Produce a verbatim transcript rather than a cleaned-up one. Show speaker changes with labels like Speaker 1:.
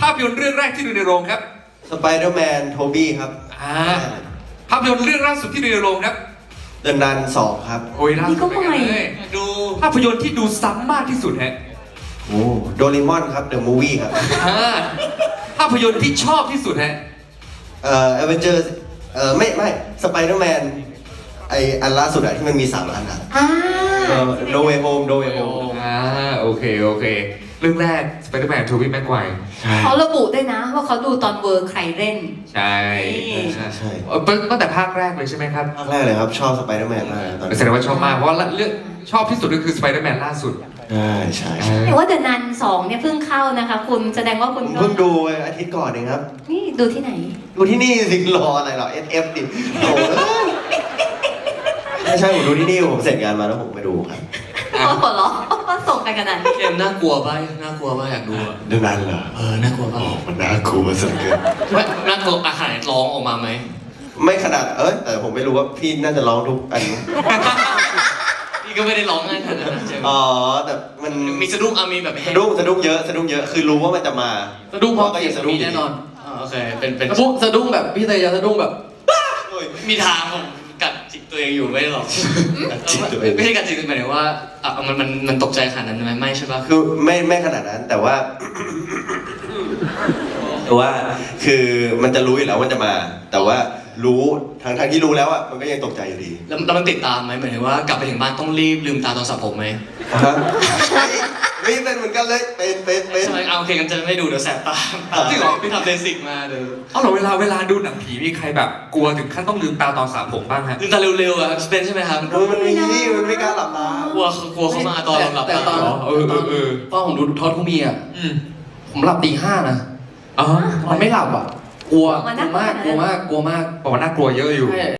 Speaker 1: ภาพยนตร์เรื่องแรกที่ดูในโรงครับ
Speaker 2: สไปเดอร์แมนโทบี้ครับ
Speaker 1: อ่าภาพยนตร์เรื่องล่าสุดที่ดูในโรงครับ
Speaker 2: เดอะนันสองครับ
Speaker 1: โอ้ยล่าสุดเป็นไงเลยดูภาพยนตร์ที่ดูซ้ำมากที่สุดฮะ
Speaker 2: โอ้โดเรมอนครับเดอะมูวี่ครับ
Speaker 1: อ่าภาพยนตร์ที่ชอบที่สุดฮะ
Speaker 2: เอ่อเอเวนเจอร์เอ่อไม่ไม่สไปเดอร์แมนไออันล่าสุดอะที่มันมีสามอันอะ
Speaker 3: อ่า
Speaker 2: โนเวโฮมโนเวโฮม
Speaker 1: อ่าโอเคโอเค เรื่องแรก Spider-Man ทูบี้แม็กไกวร์
Speaker 3: เขาระบุด้วยนะ ว่าเขาดูตอนเวอร์ใครเล่น
Speaker 1: ใช่
Speaker 2: ใช่ใช่
Speaker 1: เออตั้งแต่ภาคแรกเลยใช่ไหมครับ
Speaker 2: ภาคแรกเลยครับชอบสไปเดอร์แมนมากตอน
Speaker 1: แสดงว่าชอบมากเพราะว่าเรื่องชอบที่สุดก็คือ Spider-Man ล่าสุด
Speaker 2: ใช่ใช่ใช่
Speaker 3: แต่ว่าเดอะนันสองเนี่ยเพิ่งเข้านะคะ คุณแสดงว่าคุณ
Speaker 2: ผม
Speaker 3: ก็
Speaker 2: เพิ่งดูอาทิตย์ก่อนเองครับ
Speaker 3: นี่ดูที่ไหน
Speaker 2: ดูที่นี่สิรออะไรหรอ เอส เอฟ ดิโอ้ยไม่ใช่ผมดูที่นี่ผมเสร็จงานมาแล้วผมไปดูครับ
Speaker 3: อ๋อหัวเราะว่าส่งไปขนาดนี้
Speaker 4: เกมน่ากลัวป่ะน่ากลัวป่ะอยากดูอ่ะ
Speaker 2: เรื่องนั้นเหรอ
Speaker 4: เออน่ากลัวป่ะ
Speaker 2: โอ้มันน่ากลัวสุดเกิน
Speaker 4: ไม่น่ากลัวอาหารร้องออกมาไหม
Speaker 2: ไม่ขนาดเอ้ยแต่ผมไม่รู้ว่าพี่น่าจะร้องทุกอัน
Speaker 4: พี่ก็ไม่ได้ร้องง่ายขนาดนั้นใช่ไหม
Speaker 2: อ๋อแต่มัน
Speaker 4: มีสะดุ้งอ่ะมีแบบ
Speaker 2: สะดุ้งสะดุ้งเยอะสะดุ้งเยอะคือรู้ว่ามันจะมา
Speaker 4: สะดุ้งเพราะ
Speaker 2: ก็ยังสะดุ้ง
Speaker 4: มีแน่นอนอ่าโอเคเป็นเป็น
Speaker 5: สะดุ้งสะดุ้งแบบพี่เตยจะสะดุ้งแบบ
Speaker 2: โอ้ย
Speaker 4: มีทางผมกัดจิตตัวเองอยู่ไม่ได้หรอก
Speaker 2: กัดจิตตัวเอง
Speaker 4: ไม่ใช่กัดจิตหมายถึงว่าอ่ะมันมันมันตกใจขนาดนั้นไหมไม่ใช่ป่ะ
Speaker 2: คือไม่ไม่ขนาดนั้นแต่ว่า แต่ว่าคือมันจะรู้อยู่แล้วว่าจะมา แต่ว่ารู้ทางทางที่รู้แล้วอ่ะมันก็ยังตกใจอยู่ดี
Speaker 4: แล้วแล้วมันติดตามไหมหมายถึงว่ากลับไปถึงบ้านต้องรีบลืมตาตอนสระผมไหม
Speaker 2: ฮะไม่เป็นเหมือนกันเลยเป็นเป็นเป็น
Speaker 4: ใช่ไหมเอาโอเคกันจะไม่ดูเดี๋ยวแสบตา
Speaker 1: จริงเหรอ
Speaker 4: พี่ทำเบสิกมาเดี๋ยว
Speaker 1: เอาเหรอเวลาเวลาดูหนังผีมีใครแบบกลัวถึงขั้นต้องลืมตาตอนสระผมบ้างฮะ
Speaker 4: ลืมตาเร็วๆอ่ะเป็นใช่ไหมครับ
Speaker 2: เออมันมีมันไม่กล้าหลับตาก
Speaker 4: ลัวกลัวเขามาตอนเราหลับ
Speaker 5: แต่
Speaker 4: ตา
Speaker 5: ตอน
Speaker 1: เหรอเออเออเออ
Speaker 5: ตอนผมดูทอดทูมีอ่ะ
Speaker 1: อืม
Speaker 5: ผมหลับตีห้านะ
Speaker 1: อ๋อ
Speaker 5: มันไม่หลับอ่ะ กลัว
Speaker 3: มัน
Speaker 5: กลั
Speaker 3: น่าว กลัว
Speaker 5: มาก กลัวมาก กลัวมาก
Speaker 1: บอกว่าน่ากลัวเยอะอยู่
Speaker 5: ใช่